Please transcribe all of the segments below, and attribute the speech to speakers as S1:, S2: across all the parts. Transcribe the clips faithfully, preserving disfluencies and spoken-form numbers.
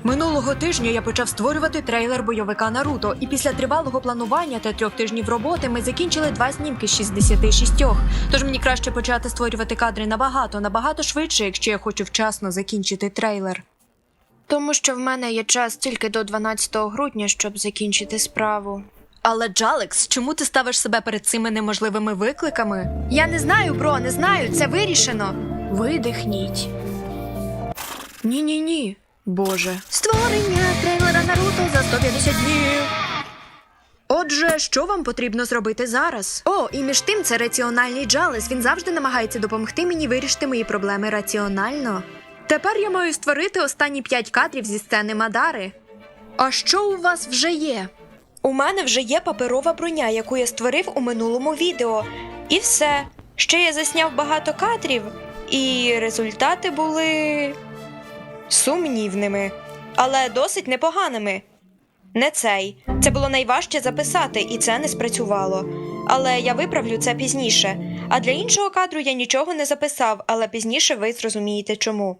S1: Минулого тижня я почав створювати трейлер бойовика Наруто, і після тривалого планування та трьох тижнів роботи ми закінчили два знімки з шістдесяти шістьох. Тож мені краще почати створювати кадри набагато, набагато швидше, якщо я хочу вчасно закінчити трейлер.
S2: Тому що в мене є час тільки до дванадцятого грудня, щоб закінчити справу.
S1: Але, Джалекс, чому ти ставиш себе перед цими неможливими викликами?
S2: Я не знаю, бро, не знаю, це вирішено. Видихніть.
S1: Ні-ні-ні. Боже.
S2: Створення трейлера Наруто за сто п'ятдесят днів.
S1: Отже, що вам потрібно зробити зараз?
S2: О, і між тим це раціональний Джалес. Він завжди намагається допомогти мені вирішити мої проблеми раціонально.
S1: Тепер я маю створити останні п'ять кадрів зі сцени Мадари. А що у вас вже є?
S2: У мене вже є паперова броня, яку я створив у минулому відео. І все. Ще я засняв багато кадрів, і результати були сумнівними, але досить непоганими. Не цей. Це було найважче записати, і це не спрацювало. Але я виправлю це пізніше. А для іншого кадру я нічого не записав, але пізніше ви зрозумієте чому.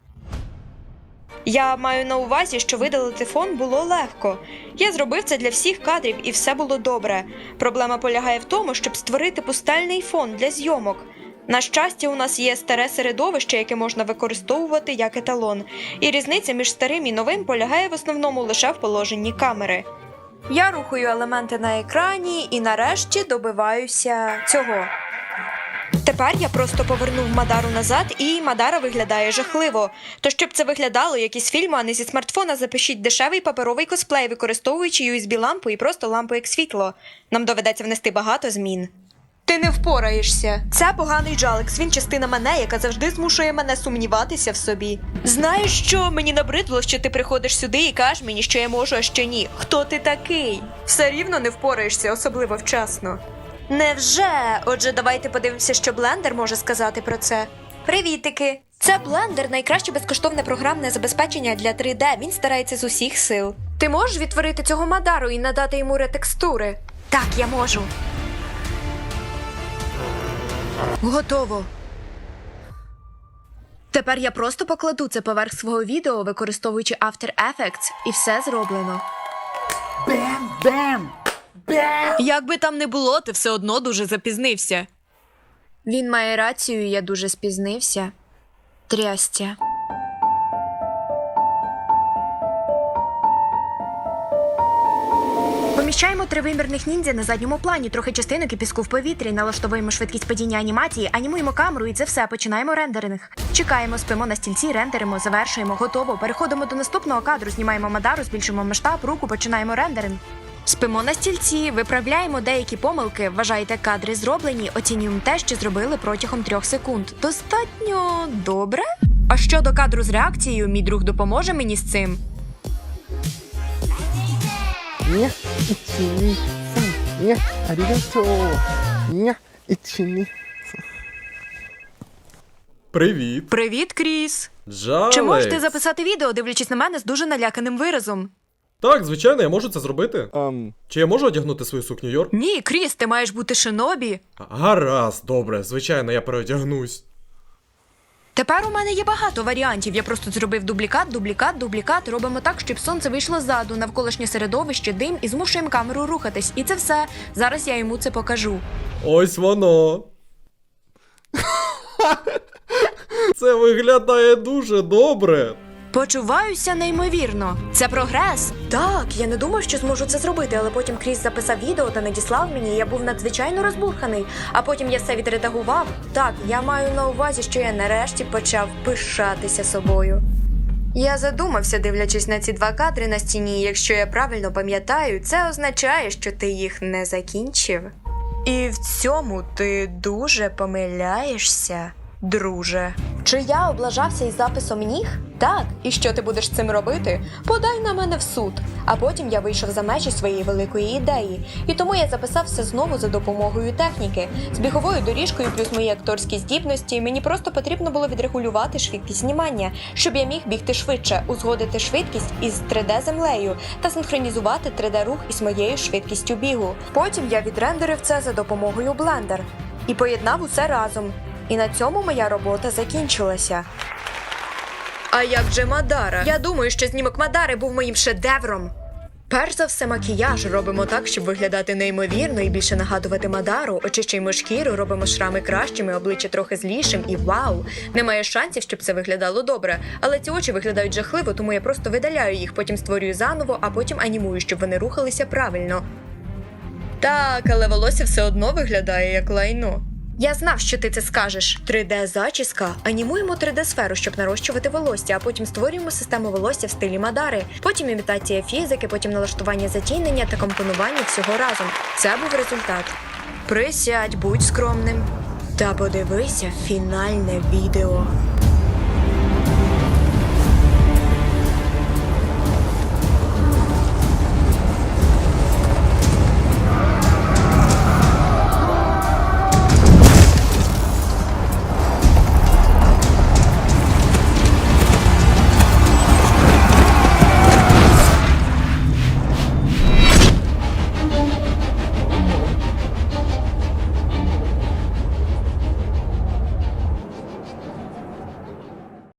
S2: Я маю на увазі, що видалити фон було легко. Я зробив це для всіх кадрів і все було добре. Проблема полягає в тому, щоб створити пустельний фон для зйомок. На щастя, у нас є старе середовище, яке можна використовувати як еталон. І різниця між старим і новим полягає в основному лише в положенні камери. Я рухаю елементи на екрані і нарешті добиваюся цього. Тепер я просто повернув Мадару назад, і Мадара виглядає жахливо. То щоб це виглядало як із фільму, а не зі смартфона, запишіть дешевий паперовий косплей, використовуючи ю ес бі-лампу і просто лампу як світло. Нам доведеться внести багато змін. Ти не впораєшся. Це поганий Джалекс, він частина мене, яка завжди змушує мене сумніватися в собі. Знаєш що, мені набридло, що ти приходиш сюди і кажеш мені, що я можу, а що ні. Хто ти такий? Все рівно не впораєшся, особливо вчасно. Невже? Отже, давайте подивимося, що Blender може сказати про це. Привітики! Це Blender – найкраще безкоштовне програмне забезпечення для три де. Він старається з усіх сил. Ти можеш відтворити цього Мадару і надати йому ретекстури? Так, я можу.
S1: Готово. Тепер я просто покладу це поверх свого відео, використовуючи After Effects, і все зроблено.
S3: Бем, бем, бем.
S1: Як би там не було, ти все одно дуже запізнився.
S2: Він має рацію, я дуже спізнився. Трястя. Поміщаємо три вимірних ніндзя на задньому плані, трохи частинок і піску в повітрі, налаштовуємо швидкість падіння анімації, анімуємо камеру і це все, починаємо рендеринг. Чекаємо, спимо на стільці, рендеримо, завершуємо, готово. Переходимо до наступного кадру, знімаємо Мадару, збільшуємо масштаб, руку, починаємо рендеринг. Спимо на стільці, виправляємо деякі помилки, вважайте кадри зроблені, оцінюємо те, що зробили протягом трьох секунд. Достатньо добре? А щодо кадру з реакцією, мій друг допоможе мені з цим?
S3: Ня, ічі-ні, сан, ня, арігато, ня, ічі-ні.
S4: Привіт.
S1: Привіт, Кріс.
S4: Джалекс.
S1: Чи можеш ти записати відео, дивлячись на мене з дуже наляканим виразом?
S4: Так, звичайно, я можу це зробити.
S3: Ам,
S4: Чи я можу одягнути свою сукню, Йор?
S1: Ні, Кріс, ти маєш бути шинобі.
S4: Гаразд, добре, звичайно, я переодягнусь.
S1: Тепер у мене є багато варіантів. Я просто зробив дублікат, дублікат, дублікат. Робимо так, щоб сонце вийшло ззаду, навколишнє середовище, дим і змушуємо камеру рухатись. І це все. Зараз я йому це покажу.
S4: Ось воно. Це виглядає дуже добре.
S1: Почуваюся неймовірно. Це прогрес.
S2: Так, я не думав, що зможу це зробити, але потім Кріс записав відео та надіслав мені, і я був надзвичайно розбурханий. А потім я все відредагував. Так, я маю на увазі, що я нарешті почав пишатися собою. Я задумався, дивлячись на ці два кадри на стіні, якщо я правильно пам'ятаю, це означає, що ти їх не закінчив. І в цьому ти дуже помиляєшся, друже. Чи я облажався із записом ніг? Так. І що ти будеш з цим робити? Подай на мене в суд. А потім я вийшов за межі своєї великої ідеї. І тому я записав все знову за допомогою техніки. З біговою доріжкою плюс мої акторські здібності мені просто потрібно було відрегулювати швидкість знімання, щоб я міг бігти швидше, узгодити швидкість із три де-землею та синхронізувати три де-рух із моєю швидкістю бігу. Потім я відрендерив це за допомогою Blender і поєднав усе разом. І на цьому моя робота закінчилася.
S1: А як же Мадара? Я думаю, що знімок Мадари був моїм шедевром. Перш за все, макіяж робимо так, щоб виглядати неймовірно і більше нагадувати Мадару. Очищуємо шкіру, робимо шрами кращими, обличчя трохи злішим і вау! Немає шансів, щоб це виглядало добре. Але ці очі виглядають жахливо, тому я просто видаляю їх, потім створюю заново, а потім анімую, щоб вони рухалися правильно. Так, але волосся все одно виглядає як лайно. Я знав, що ти це скажеш. три де-зачіска. Анімуємо три де-сферу, щоб нарощувати волосся, а потім створюємо систему волосся в стилі Мадари. Потім імітація фізики, потім налаштування затінення та компонування всього разом. Це був результат. Присядь, будь скромним. Та подивися фінальне відео.